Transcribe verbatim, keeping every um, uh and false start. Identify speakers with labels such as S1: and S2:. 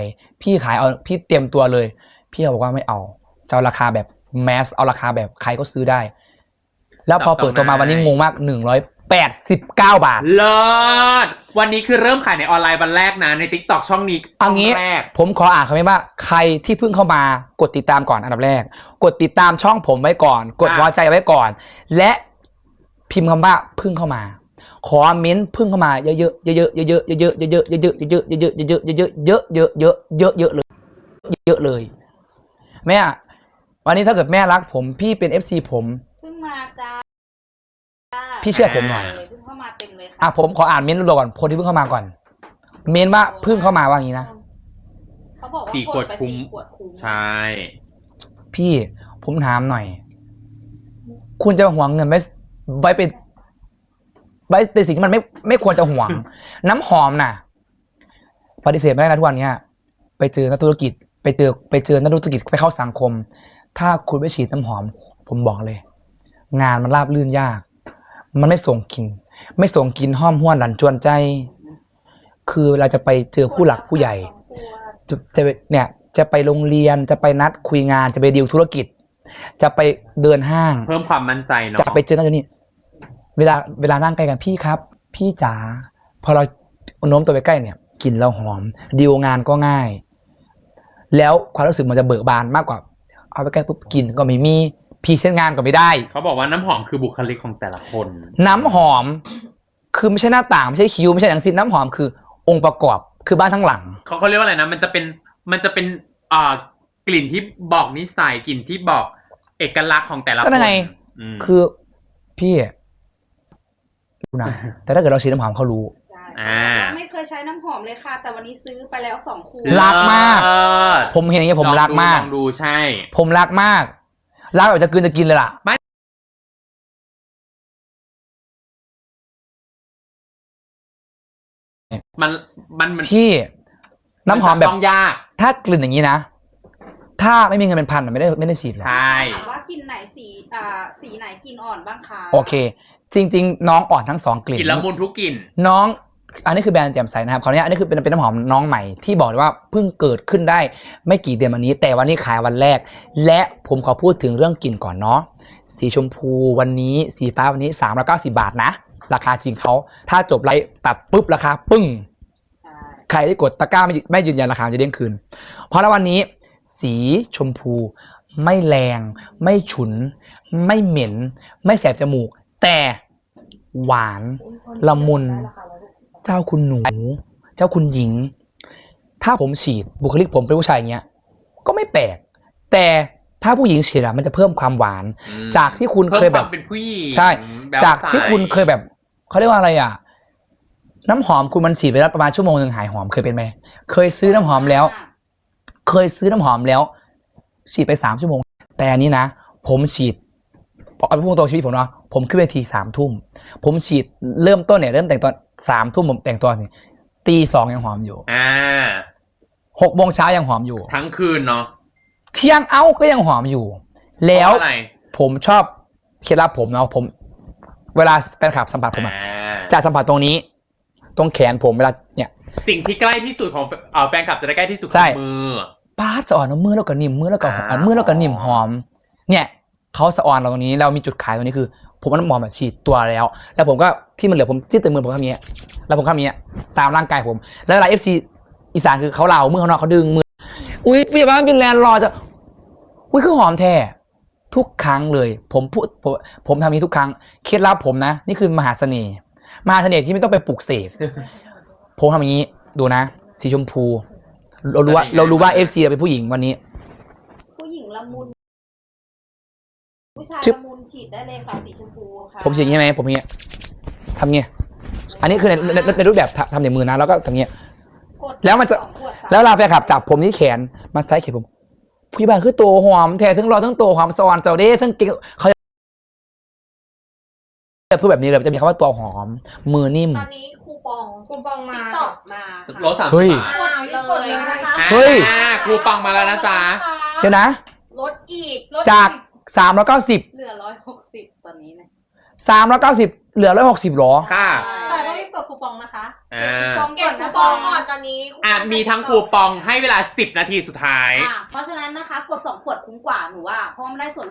S1: พี่ขายเอาพี่เตรียมตัวเลยพี่บอกว่าไม่เอาจะเอาราคาแบบแมสเอาราคาแบบใครก็ซื้อได้แล้วพอเปิดตัวมาวันนี้งงมากหนึ่งร้อยแปดสิบเก้าบาท
S2: เลิศวันนี้คือเริ่มขายในออนไลน์วันแรกนะใน ติ๊กต็อก ช่องนี้ช่องแรก
S1: ผมขออ่านคำนี้ว่าใครที่เพิ่งเข้ามากดติดตามก่อนอันดับแรกกดติดตามช่องผมไว้ก่อนกดหัวใจไว้ก่อนและพิมพ์คำว่าเพิ่งเข้ามาขอเม้นเพิ่งเข้ามาเยอะๆเยอะๆเยอะๆเยอะๆเยอะๆเยอะๆเยอะๆเยอะๆเยอะๆเยอะๆเยอะๆเยอะๆเยอะๆเยอะๆเยอะๆเยอะเลยเยอะเลยแม่วันนี้ถ้าเกิดแม่รักผมพี่เป็น เอฟ ซี ผม
S3: เพิ่งมาจ้า
S1: พี่เชื่อผมหน่อย
S3: เพิ่งเข้ามาเต็มเลยค่ะ
S1: อ่ะผมขออ่านเม้นต์รัวก่อนคนที่เพิ่งเข้ามาก่อนเม้นว่าเพิ่งเข้ามาว่าอย่างนี้นะ
S3: เขาบอกว่า
S2: สี่ขวดคุ้มใช่
S1: พี่ผมถามหน่อยคุณจะหวงเงินไว้ไว้เป็นไว้ในสิ่งที่มันไม่ไม่ควรจะหวง น้ำหอมน่ะปฏิเสธไม่ได้นะทุกวันนี้ไปเจอนักธุรกิจไปเจอไปเจอนักธุรกิจไปเข้าสังคมถ้าคุณไม่ฉีดน้ำหอมผมบอกเลยงานมันราบรื่นยากมันไม่ส่งกลิ่นไม่ส่งกลิ่นห้อมห้วนหลั่นจวนใจคือเราจะไปเจอผู้หลักผู้ใหญ่จะจะเนี่ยจะไปโรงเรียนจะไปนัดคุยงานจะไปดีลธุรกิจจะไปเดินห้าง
S2: เพิ่มความมั่นใจเนาะ
S1: จะไปเจอนั่นเจอนี่เวลาเวลานั่งใกล้กันพี่ครับพี่จ๋าพอเราโน้มตัวไปใกล้เนี่ยกลิ่นเราหอมดีลงานก็ง่ายแล้วความรู้สึกมันจะเบิกบานมากกว่าเอาไปใกล้ปุ๊บกลิ่นก็ไม่มีพีเช่นงานก็ไม่ได้
S2: เขาบอกว่าน้ำหอมคือบุคลิกของแต่ละคน
S1: น้ำหอมคือไม่ใช่หน้าต่างไม่ใช่คิ้วไม่ใช่หนังสิ้นน้ำหอมคือองค์ประกอบคือบ้านทั้งหลัง
S2: เขาเขาเรียกว่าอะไรนะมันจะเป็นมันจะเป็นอ่ากลิ่นที่บอกนิสัยกลิ่นที่บอกเอกลักษณ์ของแต่ละคน
S1: ก็ไงคือพี่รู้นะแต่ถ้าเกิดเราฉีดน้ำหอมเขารู้
S3: อ่าไม่เคยใช้น้ำหอมเลยค่ะแต่วันนี้ซื้อไปแล้วสองขวด
S1: รักมากผมเห็นอย่างนี้ผมรักมาก
S2: ลองดูใช่
S1: ผมรักมากรักแบบจะกินจะกินเลยล่ะ
S2: มันมันมัน
S1: พี่น้ำหอมแบบ
S2: ต้องยาก
S1: ถ้ากลิ่นอย่างนี้นะถ้าไม่มีเงินเป็นพันไม่ได้ไม่ได้ฉีดหรอก
S2: ใช่
S3: ถามว่ากลิ่นไหนสีอ่าสีไหนกลิ่นอ่อนบ้างคะ
S1: โอเคจริงๆน้องอ่อนทั้งสองกลิ่น
S2: กลิ่นละมุนทุกกลิ่น
S1: น้องอันนี้คือแบรนด์แจ่มใสนะครับขออนุญาตอันนี้คือเป็นเป็นน้ำหอมน้องใหม่ที่บอกว่าเพิ่งเกิดขึ้นได้ไม่กี่เดือนวันนี้แต่วันนี้ขายวันแรกและผมขอพูดถึงเรื่องกลิ่นก่อนเนาะสีชมพูวันนี้สีฟ้าวันนี้สามร้อยเก้าสิบบาทนะราคาจริงเขาถ้าจบไลฟ์ตัดปุ๊บราคาปึ้งใครที่กดตะกร้าไม่ไม่ยืนยันราคาจะเด้งคืนเพราะแล้ววันนี้สีชมพูไม่แรงไม่ฉุนไม่เหม็นไม่แสบจมูกแต่หวานละมุนเจ้าคุณหนูเจ้าคุณหญิงถ้าผมฉีดบุคลิกผมเป็นผู้ชายอย่างเงี้ยก็ไม่แปลกแต่ถ้าผู้หญิงฉีดอะมันจะเพิ่มความหวานจากที่คุณเคยแบบ
S2: เป็นผู้หญิง
S1: ใช่จากที่คุณเคยแบบเขาเรียกว่าอะไรอ่ะน้ำหอมคุณมันฉีดไปแล้วประมาณชั่วโมงหนึ่งหายหอมเคยเป็นไหมเคยซื้อน้ำหอมแล้วเคยซื้อน้ำหอมแล้วฉีดไปสามชั่วโมงแต่อันนี้นะผมฉีดเอาพูดตรงชีวิตผมเนาะผมขึ้นเวทีสามทุ่มผมฉีดเริ่มต้นเนี่ยเริ่มแต่งตอนสามทุ่มผมแต่งตัวนี่ตีสองยังหอมอยู่
S2: อ่า
S1: หกโมงเช้ายังหอมอยู่
S2: ทั้งคืนเนาะ
S1: เที่ยงเอ้าก็ยังหอมอยู่แล้วผมชอบเคล็ดลับผมเนาะผมเวลาแฟนคลับสัมผัสผมอะจะสัมผัสตรงนี้ตรงแขนผมเวลาเนี่ย
S2: สิ่งที่ใกล้ที่สุดของเอ่อแฟนคลับจะได้ใกล้ที่สุด
S1: คือ
S2: มือ
S1: ป้าจะอ่อนมือแล้วก็นิ่มมือแล้วก็อ่อนมือแล้วก็นิ่มหอมเนี่ยเขาสะออนเราตรงนี้เรามีจุดขายตรงนี้คือผมเอาน้ำหอมแบบฉีดตัวแล้วแล้วผมก็ที่มันเหลือผมจิ้มเต็มมือผมทำอย่างเงี้ยแล้วผมทำอย่างเงี้ยตามร่างกายผมแล้วเวลา เอฟ ซี อีสานคือเขาเหลามือเขานอกเขาดึงมืออุ้ยพี่บ้านฟินแลนด์รอจะอุ้ยคือหอมแท้ทุกครั้งเลยผมพูดผมผมทำนี้ทุกครั้งเคล็ดลับผมนะนี่คือมหาเสน่ห์มหาเสน่ห์ที่ไม่ต้องไปปลุกเสกผมทำอย่างนี้ดูนะสีชมพูเรารู้ว่าเรารู้ว่า เอฟ ซี เป็นผู้หญิงวันนี้
S3: ผู้หญิงละมุนผู้ชายละมุนฉีดได้เลยค่ะสีชมพูค่ะ
S1: ผมฉีดใช่ไหมผมอย่างเงี้ยทำเงี้ยอันนี้คือในในในรูปแบบทำในมือนะแล้วก็ทำเงี้ยแล้วมันจะแล้วเราไปขับจับผมที่แขนมาซ้ายเข็มผมพี่บ้านคือตัวหอมแท้ทั้งรอทั้งตัวหอมสวรรค์เจ้าเด้ทั้งเก่งเขาจะพูดแบบนี้เลยจะมีคำว่าตัวหอมมือนิ่ม
S3: ตอนนี้คูปองคูปองมาตอบมา
S2: ลดสามสิบบาท
S3: เลยนะคะ
S1: เฮ้ย
S2: คูปองมาแล้วนะจ๊ะ
S1: เดี๋ยวนะ
S3: ลดอีก
S1: จากสามร้อยเก้าสิบ
S3: เหลือร้อยหกสิบตอนนี้นะ
S1: สามร้อยเก้าสิบเหลือร้อยหกสิบหรอ
S2: ค่ะ
S3: แต่ต้องรีบกดคูปองนะคะ
S2: อ่า
S3: คูปอง
S4: เก็
S3: ก่
S4: บ
S3: อน
S4: คู
S3: นะ
S4: ปอง
S3: คะ
S4: ก่อนตอนนี้
S2: อ่ะมีทั้งคูปองให้เวลาสิบนาทีสุดท้าย
S3: อ่ะเพราะฉะนั้นนะคะกดสองขวดคุ้มกว่าหนูว่าเพราะว่ามันได้ส่วนลด